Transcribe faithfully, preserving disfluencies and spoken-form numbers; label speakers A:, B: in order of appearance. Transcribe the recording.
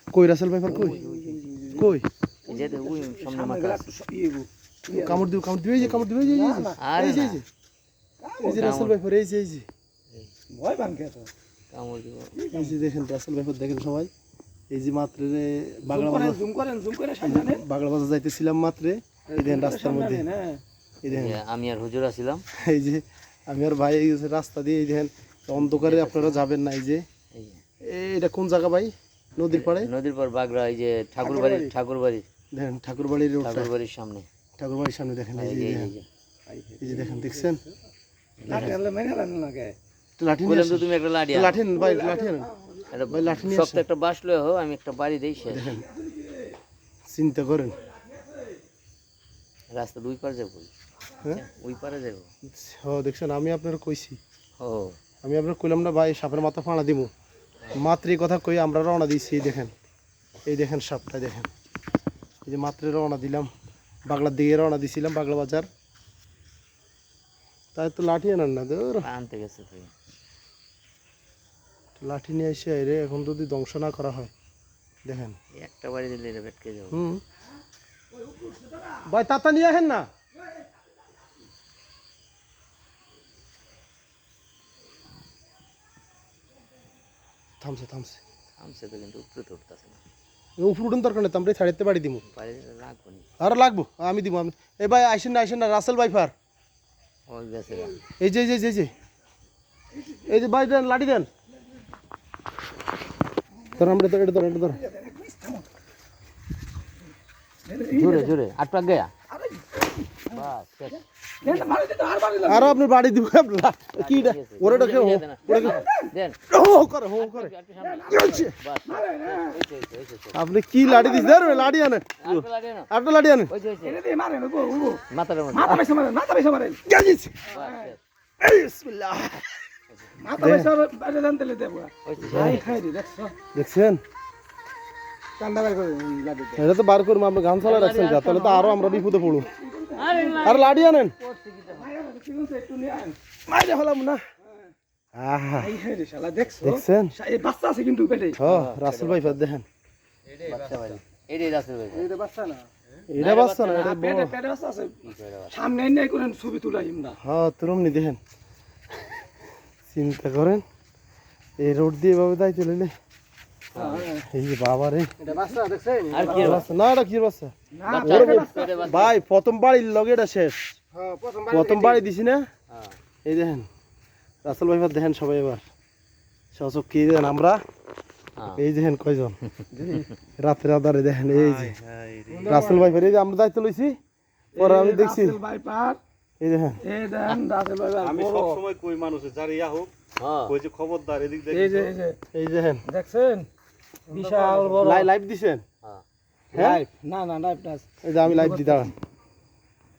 A: কই Russell viper কই কই
B: যে ওই সামনে মাথা
A: কামড় দিও কামড় দিও এই যে কামড় দিও এই যে এই যে এই যে এই যে রাসেল ভাইপার এই যে এই যে
C: ভয় পান কে তো
B: কামড় দিব
A: এই যে দেখেন রাসেল ভাইপার দেখেন সবাই এই যে মাত্র রে বাগলা বাজার
C: জুম করেন জুম করে সামনে
A: বাগলা বাজার যাইতেছিলাম মাত্র এই দেখেন রাস্তার মধ্যে এই দেখেন
B: আমি আর হুজুর আছিলাম
A: এই যে আমি আর ভাই এই রাস্তা দিয়ে এই দেখেন অন্ধকারে আপনারা যাবেন না এই যে এটা কোন জায়গা ভাই নদীর পাড়ে
B: নদীর পাড় বাগড়া এই যে ঠাকুরবাড়ি ঠাকুরবাড়ি
A: দেখেন ঠাকুরবাড়ির রোড
B: ঠাকুরবাড়ির সামনে
A: ঠাকুরবাড়ির সামনে দেখেন এই যে এই যে দেখেন দেখছেন
C: লাঠি আনলে মেরে আনলে না কে
A: লাঠি
B: বললাম তো তুমি একটা লাঠি
A: লাঠি ভাই লাঠি আনেন ভাই লাঠি নিয়ে
B: সব একটা বাঁশ লয়ে হো আমি একটা বাড়ি দেই সে
A: দেখেন চিন্তা করেন
B: রাস্তা দুই পার যাব
A: হ্যাঁ
B: ওই পারে যাব
A: ও দেখছেন আমি আপনার কইছি
B: ও
A: আমি আপনার কইলাম না ভাই সাপের মাথা ফাঁড়া দিব মাত্র এই কথা কই আমরা রওনা দিয়েছি এই দেখেন এই দেখেন সাপটা দেখেন এই যে মাত্র রওনা দিলাম বাগলার দিকে রওনা দিছিলাম বাগলা বাজার তাই তো লাঠি আনেন না দূর
B: আনতে গেছে তুই
A: লাঠি নিয়ে এসে রে এখন যদি ধ্বংস না করা হয় দেখেন
B: একটা বাড়ি দিলে এটা বেটকে যাবে
A: হুম ভাই তাতা নিয়ে আসেন না থামছে থামছে
B: আমছে তো কিন্তু উপরে তো উঠতেছে না
A: উপর উঠুন দরকার নেই আমরা ছাড়িতে পারি দিব
B: বাড়ি রাখবো নি
A: আর লাগবো আমি দিব আমি এই ভাই আইসেন না আইসেন না রাসেল ভাইফার
B: ওই গেছে
A: এই যে এই যে এই যে এই যে ভাই দেন লাঠি দেন ধর আমরা ধর এটা ধর এটা ধর
B: জোরে জোরে আট পাক গয়া বাস শেষ
A: আর আপনি বাড়ি দিব কি ওরে ডাকে হো ওরে
B: দেন
A: হো করে হো করে কি হচ্ছে আপনি কি লাঠি দিছ ধর লাঠি আনেন আপনি লাঠি আনেন
B: ওই যে
C: এনে দিয়ে মারেন গো গো
B: মাথার মধ্যে
C: মাথা বেশি মারেন মাথা বেশি মারেন
A: কি হচ্ছে
B: বাস শেষ
A: বিসমিল্লাহ
C: মাথা বেশি বাইরে জানতে লে দেব
B: ওই যে
C: আই খাই দি দেখছো
A: দেখছেন
C: কান্দা বাই করে লাঠি দে
A: এটা তো বার করবো আমরা গান চালা রাখছেন যা তাহলে তো আরো আমরা বিপদে পড়ব আর লাঠি আনেন
C: একটু নিয়ে আন
A: মাইরে হলাম না আহা
C: এই হে রে শালা দেখছো
A: দেখছেন
C: এই বাচ্চা আছে কিন্তু পেটে
A: হ্যাঁ রাসেল ভাই ফাদ দেখেন
B: বাচ্চা বাড়ি এইটাই রাস্তা ভাই
C: এইটা বাচ্চা না
A: এটা বাচ্চা না এটা
C: পেটে পেটে বাচ্চা আছে সামনে এনে করেন ছবি তুলাইম না
A: হ্যাঁ তুরম নি দেখেন চিন্তা করেন এই রোড দিয়ে এভাবে তাই চলে এই যে বাবা রে
C: এটা বাচ্চা দেখছেন
B: আর কি
A: বাচ্চা না এটা কি বাচ্চা
C: না
B: পেটে বাচ্চা
A: ভাই প্রথম বাড়ির লগে এটা শেষ
C: হ্যাঁ প্রথম
A: প্রথম বাড়ি দিছি না
B: হ্যাঁ
A: এই দেখেন রাসেল ভাই ফাদ দেখেন সবাই এবার সচক কি দেখেন আমরা এই দেখেন কয়জন রাতের আধারে দেখেন এই যে রাসেল ভাই এই যে আমরা দায়িত্ব লইছি পরে আমি দেখছি
C: ভাই পার
A: এই দেখেন
C: এই দেন রাসেল ভাই
D: আমি সব সময় কই মানুষে যার ইয়া হোক
B: হ্যাঁ
D: কই যে খবরদার এদিক দেখি
C: এই যে এই যে
A: এই দেখেন
C: দেখছেন বিশাল বড়
A: লাইভ দিছেন
B: হ্যাঁ
A: হ্যাঁ
C: লাইভ না না লাইভ না
A: এই যে আমি লাইভ দি দাঁড়ান